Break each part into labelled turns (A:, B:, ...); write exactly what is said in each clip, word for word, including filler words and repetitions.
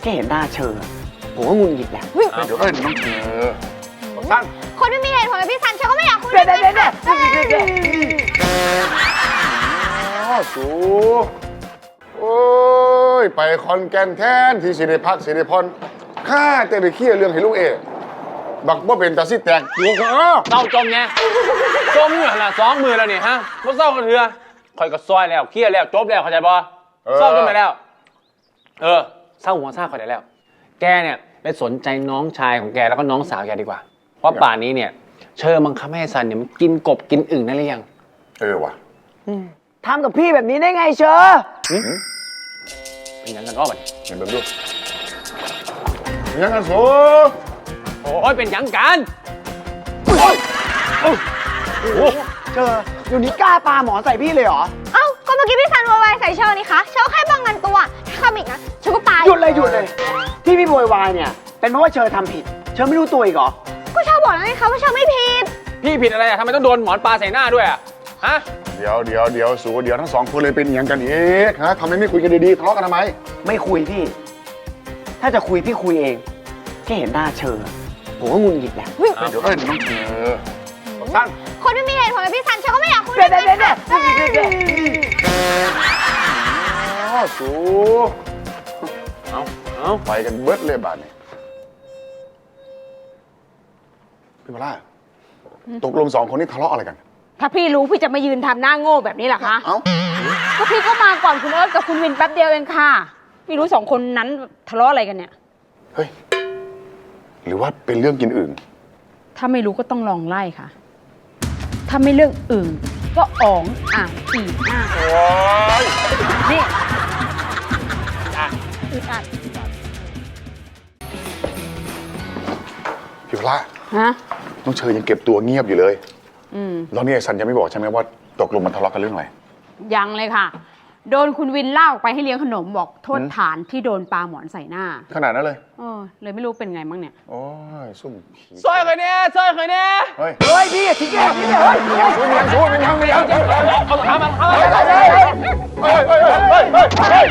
A: ค่เห็นหน้าเชอผมก็งุนหงิดแหละเดี๋ยวเอ้ยน้องเชอสั้น
B: คนไม่มีเหตุผลกับพี่ซันเชอก็ไม่อยากคุย
A: ด้วยเด็ดเด็ดอ๋อสูโอ้ยไปคอนแกนแทนที่สิริพักสิริพรข้าแต่ไปเคลียร์เรื่องให้ลูกเอบักว่าเป็นตาซิแตกลูกเออ
C: เศร้าจมไงจมอยู่ขนาดสองมือแล้วนี่ฮะมันเศร้ากันเถอะคอยก็ซอยแล้วเคลียร์แล้วจบแล้วเข้าใจป่ะเศร้าจนไปแล้วเออเศร้าหัวซาเข้าใจแล้วแกเนี่ยไปสนใจน้องชายของแกแล้วก็น้องสาวแกดีกว่าเพราะป่านนี้เนี่ยเชอบังคับให้ซันเนี่ยมันกินกบกินอึ่งได้หรือยัง
A: เออว่ะ
D: ทำกับพี่แบบนี้ได้ไงเชอ
C: เป็นยังกันอ้อบัด
A: เห็นแบบดูเป็นยังกันสู
C: โอ้ยเป็นยังกันโอ้ยโอ้โห
D: เชออยู่นี้กล้าปาหมอใส่พี่เลยเหรอ
B: เอ้าก็เมื่อกี้พี่ซันโวยวายใส่เชอนี่คะเชอแค่ป้องกันตัวถ้าทำอีกนะเชอก็ตาย
D: หยุดเลยหยุดเลยที่พี่โวยวายเนี่ยเป็นเพราะว่าเชอทำผิดเชอไม่รู้ตัวอีกเหรอ
B: ก็เชอบอกแล้วไงคะว่าเชอไม่ผิด
C: พี่ผิดอะไรอะทำไมต้องโดนหมอนปลาใส่หน้าด้วยอะฮะ
A: เดี๋ยวเดี๋ยวเดี๋ยวสูเดี๋ยวทั้งสองคนเลยเป็นอย่างกันเองฮะทำไมไม่คุยกันดีๆทะเลาะกันทำไม
D: ไม่คุยพี่ถ้าจะคุยพี่คุยเองแค่เห็นหน้าเชอผมก็งุนหงิดแหละ
A: เดี๋ยวเอ้ยน้องเชอสั้น
B: คนไม่มีเหตุผลกับพี่ซันเชอก็ไม่อยากคุย
D: ด้วยเด็ดเด็ดเด็ด
A: อ๋อสูเอาเอาไปกันเบิดเลยบาทนี่พี่มาล่าตกลงสองคนนี้ทะเลาะอะไรกัน
E: ถ้าพี่รู้พี่จะมายืนทำหน้าโง่แบบนี้เหรอคะ
A: เอ้า
E: ก็พี่ก็มาก่อนคุณเอิร์ธกับคุณวินแป๊บเดียวเองค่ะพี่รู้สองคนนั้นทะเลาะอะไรกันเนี่ย
A: เฮ้ยหรือว่าเป็นเรื่องกินอื่น
E: ถ้าไม่รู้ก็ต้องลองไล่ค่ะถ้าไม่เรื่องอื่นก็อ๋องอ่างอีอ่างนี่อึดอัด
A: พี่มาล่า
E: ฮะ
A: น้องเชยยังเก็บตัวเงียบอยู่เลย
E: อืม
A: แล้วนี่ไอ้ซันยังไม่บอกใช่ไหมว่าตกลงมันทะเลาะกันเรื่องอะไร
E: ยังเลยค่ะโดนคุณวินลากออกไปให้เลี้ยงขนมบอกโทษฐานที่โดนปลาหมอนใส่หน้า
A: ขนาดนั้นเลย
E: เออเลยไม่รู้เป็นไงมั้งเนี่ย
A: โอ้ยซุ่ม
C: ซอยเคยเนี่ยซอยเคยเนี่ย
A: เฮ้ย
D: เฮ้ยพี่ทิ้งแกพี่เนี่ยเฮ้ย
A: สู้มันสู้มันทำไม่เอา
C: เอาขามันเอา
A: เฮ้ยเฮ้ยเฮ้ยเฮ้ยเฮ้ยเฮ้ยเฮ้ย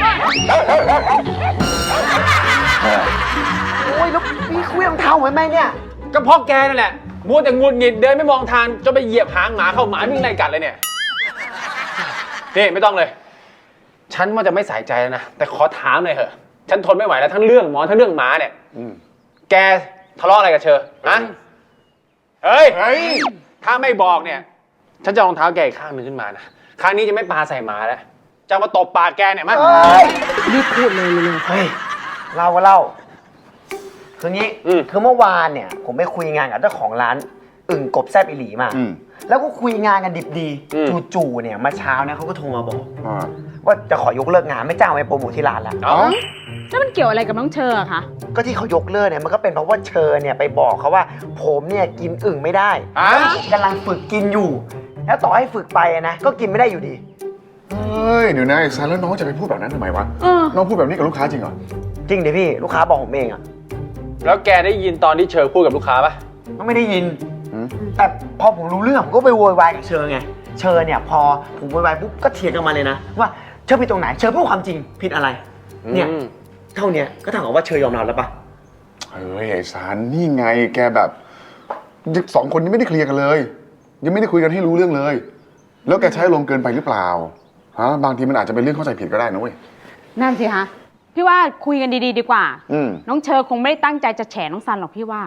D: โอ้ยแล้วพี่คุยรองเท้าเหมือนไหมเนี่ย
C: ก็เพราะแกนั่นแหละมัวแต่งุนหงิดเดินไม่มองทางจนไปเหยียบหางหมาเข้าหมาวิ่งไล่กัดเลยเนี่ยนี่ไม่ต้องเลยฉันว่าจะไม่ใส่ใจแล้วนะแต่ขอถามหน่อยเถอะฉันทนไม่ไหวแล้วทั้งเรื่องหมอทั้งเรื่องหมาเนี่ยแกทะเลาะอะไรกับเชอฮะเฮ้ยถ้าไม่บอกเนี่ยฉันจะรองเท้าแกอีกข้างหนึ่งขึ้นมานะครั้งนี้จะไม่ปาใส่หมาแล้วจะมาตบปากแกเนี่ยมั้ย
D: รีบพูดเลยเลยเฮ้ยเล่าก็เล่าคืองี้คือเมื่อวานเนี่ยผมไปคุยงานกับเจ้าของร้านอึ่งกบแซ่บอิหลีมาแล้วก็คุยงานกันดิบดีจู่ๆเนี่ยมาเช้านะเขาก็โทรมาบอกว่าจะขอยกเลิกงานไม่จ้างไปโปรโมทที่ร้านแล้ว
E: แล้วมันเกี่ยวอะไรกับน้องเชอคะ
D: ก็ที่เขายกเลิกเนี่ยมันก็เป็นเพราะว่าเชอเนี่ยไปบอกเขาว่าผมเนี่ยกินอึ่งไม่ได้กำลังฝึกกินอยู่แล้วต่อให้ฝึกไปนะก็กินไม่ได้อยู่ดี
A: เฮ้ยเดี๋ยวนะไอ้ซันแล้วน้องจะไปพูดแบบนั้นทำไมวะน้องพูดแบบนี้กับลูกค้าจริงเหรอ
D: จริงดิพี่ลูกค้าบอกผมเองอะ
C: แล้วแกได้ยินตอนที่เชอพูดกับลูกค้าปะ
D: ไม่ได้ยินแต่พอผมรู้เรื่องผมก็ไปโวยวายกับเชอไงเชอเนี่ยพอผมโวยวายปุ๊บก็เถียงกันมาเลยนะว่าเชอผิดตรงไหนเชอพูดความจริงผิดอะไรเนี่ยเท่านี้ก็เท่ากับว่าเชยอมรับแล้วปะ
A: เฮ้ยไอ้ซันนี่ไงแกแบบสองคนนี้ไม่ได้เคลียร์กันเลยยังไม่ได้คุยกันให้รู้เรื่องเลยแล้วแกใช้ลมเกินไปหรือเปล่าฮะบางทีมันอาจจะเป็นเรื่องเข้าใจผิดก็ได้นะเว้ย
E: นั่นสิฮะพี่ว่าคุยกันดีๆดีกว่าน้องเชอคงไม่ได้ตั้งใจจะแฉน้องซันหรอกพี่ว่า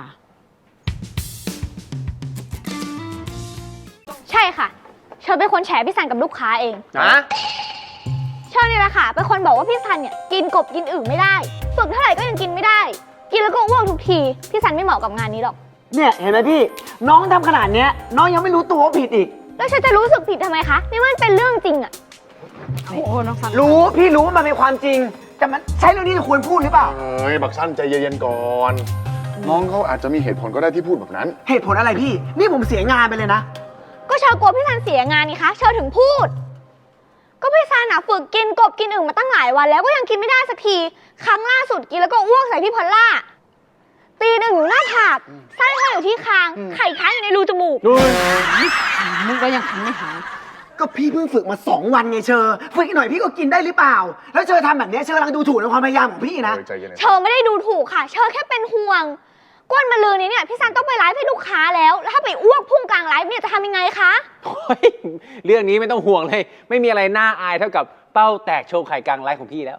B: ใช่ค่ะเชอเป็นคนแฉพี่ซันกับลูกค้าเอง
C: นะ
B: เชอเนี่ยแหละค่ะเป็นคนบอกว่าพี่ซันเนี่ยกินกบกินอึ่งไม่ได้ฝึกเท่าไหร่ก็ยังกินไม่ได้กินแล้วก็อ้วกทุกทีพี่ซันไม่เหมาะกับงานนี้หรอก
D: เนี่ยเห็นไหมพี่น้องทำขนาดเนี้ยน้องยังไม่รู้ตัวว่าผิดอีก
B: แล้วเชอจะรู้สึกผิดทำไมคะนี่มันเป็นเรื่องจริงอะ
E: โอ้โหน้องซัน
D: รู้พี่รู้ว่ามันเป็นความจริงแต่มันใช่เรื่องนี้จะควรพูดหรือเปล่า
A: เฮ้ยบักซันใจเย็นๆก่อนน้องเขาอาจจะมีเหตุผลก็ได้ที่พูดแบบนั้น
D: เหตุผลอะไรพี่นี่ผมเสียงานไปเลยนะ
B: ก็เชอกลัวพี่ซันเสียงานนี่คะเชอถึงพูดก็พี่ซันอะฝึกกินกบกินอึ่งมาตั้งหลายวันแล้วก็ยังกินไม่ได้สักทีครั้งล่าสุดกินแล้วก็อ้วกใส่พี่พอลล่าตีหนึ่งอยู่หน้าผากไส้ห้อยอยู่ที่คางไข่ค้างอยู่ในรูจมูก
E: มุกก็ยังทำไม่หาย
D: ก็พี่เพิ่งฝึกมาสองวันไงเชอฝึกอีกหน่อยพี่ก็กินได้หรือเปล่า แล้วเชอทำแบบเนี้ยเชอกำลังดูถูกในความพยายามของพี่นะ
A: เออใจเย็น
B: เชอไม่ได้ดูถูกค่ะ เชอแค่เป็นห่วงก้นมาลือนี้เนี่ยพี่ซันต้องไปไลฟ์ให้ลูกค้าแล้ว แล้วถ้าไปอ้วกพุ่งกลางไลฟ์เนี่ยจะทำยังไงคะ
C: โอ้ยเรื่องนี้ไม่ต้องห่วงเลย ไม่มีอะไรน่าอายเท่ากับเป้าแตกโชว์ไข่กลางไลฟ์ของพี่แล้ว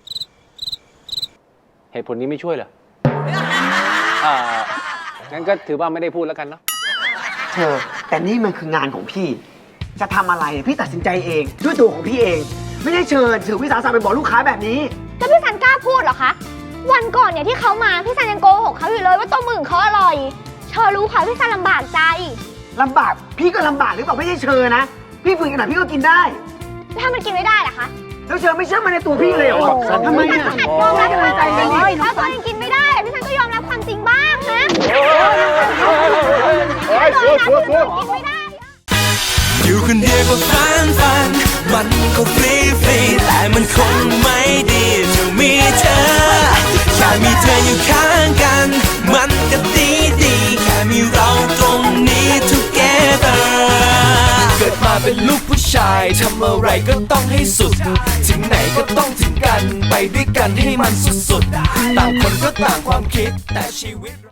C: เหตุผลนี้ไม่ช่วยเหรออ่างั้นก็ถือว่าไม่ได้พูดแล้วกันเนาะ
D: เชอแต่นี่มันคืองานของพี่ จะทำอะไรพี่ตัดสินใจเองด้วยตัวของพี่เอง ไม่ได้เชิญถือวิสาสะไปบอกลูกค้าแบบนี้
B: แล้วพี่ซันกล้าพูดเหรอคะวันก่อนเนี่ยที่เขามาพี่ซันยังโกหกเขาอยู่เลยว่าต้มอึ่งเขาอร่อย เชอรู้ค่ะพี่ซันลำบากใจ
D: ลำบากพี่ก็ลำบากหรือเปล่าไม่ใช่เชอนะ พี่ฝึกขนาดพี่ก็กินได้
B: แล้วถ้ามันกินไม่ได้ล่ะคะ
D: แล้วเชอไม่เชื่อมันในตัวพี่เลยเหรอ
A: โอ้โห
D: ทำไม
B: พี่
D: อ่ะ
B: ซันก็หัดยอมรับความจริง
D: ใจเย็นๆ
B: ถ้าตัวเองกินไม่ได้พี่ซันก็ยอมรับความจริงบ้างนะ
A: เฮ้ยชัวร์ชัวร์ชัวร์
B: กินไม่ได้
F: อยู่คนเดียวก็ฟันฟัน มันก็ฟรีฟรีแต่มันคงไม่ดีจะมีเธอ แค่มีเธออยู่ข้างกัน มันก็ดีดีแค่มีเราตรงนี้ together เกิดมาเป็นลูกผู้ชายทำอะไรก็ต้องให้สุด ถึงไหนก็ต้องถึงกัน ไปด้วยกันให้มันสุดๆ ต่างคนก็ต่างความคิดแต่ชีวิต